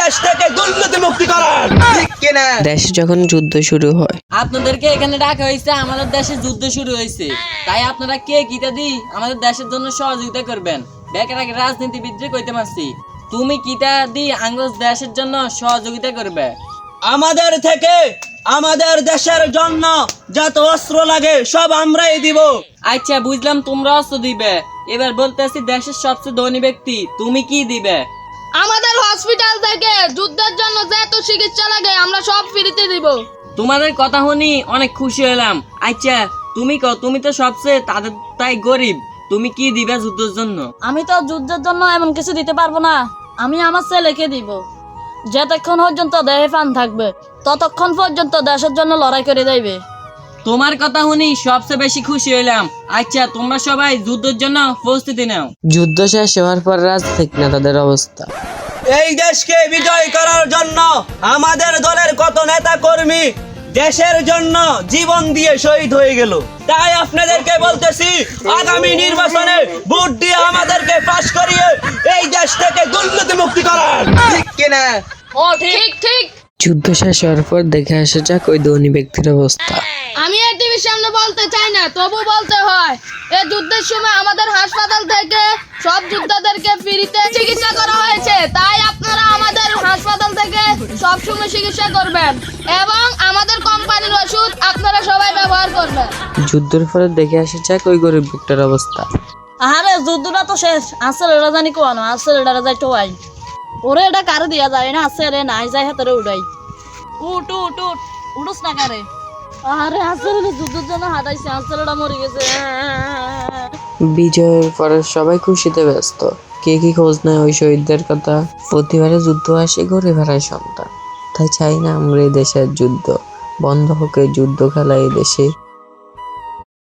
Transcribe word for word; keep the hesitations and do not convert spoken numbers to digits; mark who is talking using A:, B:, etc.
A: দেশ থেকে দুর্নীতি মুক্তি করেন, ঠিক কিনা?
B: দেশে যখন যুদ্ধ শুরু হয়,
C: আপনাদেরকে এখানে ডাকা হয়েছে, আমাদের দেশে যুদ্ধ শুরু হয়েছে, তাই আপনারা কে কিটা দি আমাদের দেশের জন্য সহযোগিতা করবেন। বেকার আগে রাজনীতিবিদরে কইতে মারছি, তুমি কিটা দি আঙ্গজ দেশের জন্য সহযোগিতা করবে।
A: আমাদের থেকে আমাদের দেশের জন্য যত অস্ত্র লাগে সব আমরাই দিব।
C: আচ্ছা বুঝলাম, তোমরা অস্ত্র দিবে। এবার বলতেছি দেশের সবচেয়ে ধনী ব্যক্তি, তুমি কি দিবে?
D: আমাদের হসপিটাল থেকে যুদ্ধের জন্য যত চিকিৎসা লাগে আমরা সব ফ্রিতে দিব।
C: তোমাদের কথা শুনি অনেক খুশি হলাম। আচ্ছা তুমি কও, তুমি তো সবচেয়ে তাদের তাই গরিব, তুমি কি দিবে যুদ্ধের জন্য?
D: আমি তো যুদ্ধের জন্য এমন কিছু দিতে পারবো না, আমি আমার ছেলেকে দিব। যতক্ষণ পর্যন্ত দেহে প্রাণ থাকবে ততক্ষণ পর্যন্ত দেশের জন্য লড়াই করে যাইবে।
C: তোমার কথা শুনি সবচেয়ে বেশি খুশি হইলাম। আচ্ছা তোমরা সবাই যুদ্ধের জন্য প্রস্তুতি নাও।
B: যুদ্ধ শেষ হওয়ার পর রাজনৈতিক নেতাদের অবস্থা।
A: এই দেশকে বিজয় করার জন্য আমাদের দলের কত নেতা কর্মী দেশের জন্য জীবন দিয়ে শহীদ হয়ে গেল। তাই আপনাদেরকে বলতেছি, আগামী নির্বাচনে ভোট দিয়ে আমাদেরকে পাস করিয়ে এই দেশ থেকে দুর্নীতি মুক্তি করেন, ঠিক কিনা?
D: ও ঠিক ঠিক।
B: যুদ্ধ শেষ হওয়ার পর দেখে আসা যাক ওই ধনী ব্যক্তির অবস্থা।
D: আমি এই টিভির সামনে বলতে চাই না, তবু বলতে হয়, এই যুদ্ধের সময় আমাদের হাসপাতাল থেকে সব যোদ্ধাদেরকে ফ্রিতে চিকিৎসা করা হয়েছে। তাই আপনারা আমাদের হাসপাতাল থেকে সব সময় চিকিৎসা করবেন এবং আমাদের কোম্পানির ওষুধ আপনারা সবাই ব্যবহার করবেন।
B: যুদ্ধের পরে দেখে আসা যাক ওই গরিব ব্যক্তির অবস্থা।
D: আরে যুদ্ধটা তো শেষ, আসলে এটা জানি কোয়ানো, আসলে এটা যাই টোয়াই ওরে, এটা কারে দিয়া যায় না, আছে রে নাই যায় হাতে উড়াই। উঠ উঠ উঠ উঠুস না কারে। আরে আসলে যুদ্ধের জন্য হাঁটাইছে, আসলে এটা মরে গেছে।
B: বিজয়ের পরে সবাই খুশিতে ব্যস্ত, কে কি খোঁজ নেয় ওই শহীদদের কথা। প্রতিবারে যুদ্ধ আসে ঘুরে বেড়ায় সন্তান, তাই চাই না আমরা এই দেশের যুদ্ধ বন্ধ হোক। এই যুদ্ধ খেলা এই দেশে